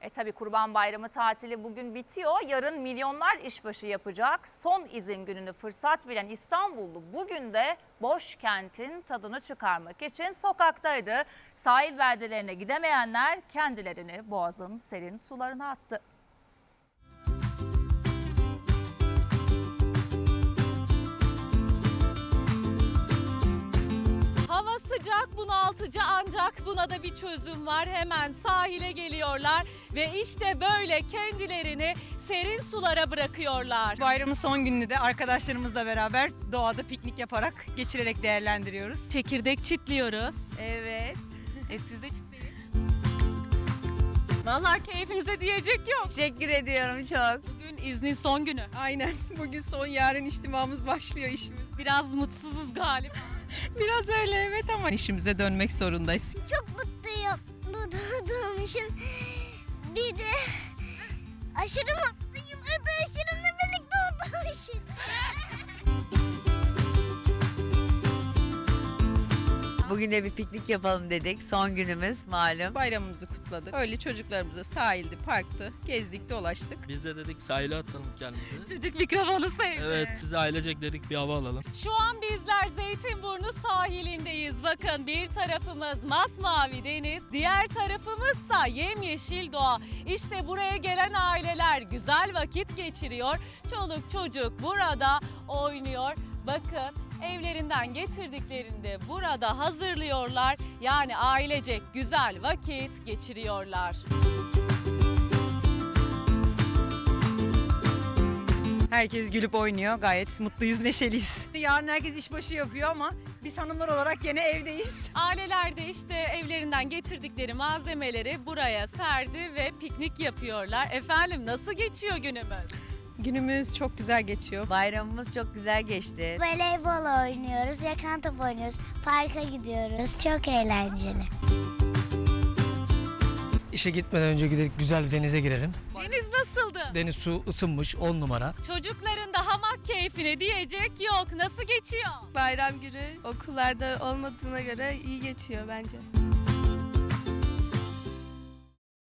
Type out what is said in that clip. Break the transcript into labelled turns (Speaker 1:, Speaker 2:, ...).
Speaker 1: Tabii Kurban Bayramı tatili bugün bitiyor. Yarın milyonlar işbaşı yapacak. Son izin gününü fırsat bilen İstanbullu bugün de boş kentin tadını çıkarmak için sokaktaydı. Sahil beldelerine gidemeyenler kendilerini Boğaz'ın serin sularına attı.
Speaker 2: Hava sıcak, bunaltıcı, ancak buna da bir çözüm var. Hemen sahile geliyorlar ve işte böyle kendilerini serin sulara bırakıyorlar.
Speaker 3: Bayramın son gününü de arkadaşlarımızla beraber doğada piknik yaparak, geçirerek değerlendiriyoruz.
Speaker 2: Çekirdek çitliyoruz.
Speaker 3: Evet.
Speaker 2: Siz de çitleyin. Vallahi keyfinize diyecek yok.
Speaker 3: Teşekkür ediyorum çok.
Speaker 2: Bugün iznin son günü.
Speaker 3: Aynen. Bugün son, yarın içtimamız başlıyor işimiz.
Speaker 2: Biraz mutsuzuz galiba.
Speaker 3: Biraz öyle evet ama işimize dönmek zorundayız.
Speaker 4: Çok mutluyum doğduğum için. Bir de aşırı mutluyum arkadaşlarımla birlikte olduğum için.
Speaker 5: Bugün de bir piknik yapalım dedik. Son günümüz malum.
Speaker 3: Bayramımızı kutladık. Öyle çocuklarımıza sahilde, parkta gezdik, dolaştık.
Speaker 6: Biz de dedik sahile atalım kendimizi.
Speaker 2: Çocuk mikrofonu sevdi.
Speaker 6: Evet, biz ailecek dedik bir hava alalım.
Speaker 2: Şu an bizler Zeytinburnu sahilindeyiz. Bakın bir tarafımız masmavi deniz, diğer tarafımızsa yemyeşil doğa. İşte buraya gelen aileler güzel vakit geçiriyor. Çoluk çocuk burada oynuyor. Bakın evlerinden getirdiklerini de burada hazırlıyorlar. Yani ailecek güzel vakit geçiriyorlar.
Speaker 3: Herkes gülüp oynuyor. Gayet mutluyuz, neşeliyiz. Yarın herkes işbaşı yapıyor ama biz hanımlar olarak gene evdeyiz.
Speaker 2: Aileler de işte evlerinden getirdikleri malzemeleri buraya serdi ve piknik yapıyorlar. Efendim nasıl geçiyor günümüz?
Speaker 3: Günümüz çok güzel geçiyor.
Speaker 5: Bayramımız çok güzel geçti.
Speaker 4: Voleybol oynuyoruz, yakan top oynuyoruz, parka gidiyoruz. Çok eğlenceli.
Speaker 7: İşe gitmeden önce gidip güzel bir denize girelim.
Speaker 2: Deniz nasıldı?
Speaker 7: Deniz su ısınmış 10 numara.
Speaker 2: Çocukların da hamak keyfine diyecek yok. Nasıl geçiyor?
Speaker 8: Bayram günü okullarda olmadığına göre iyi geçiyor bence.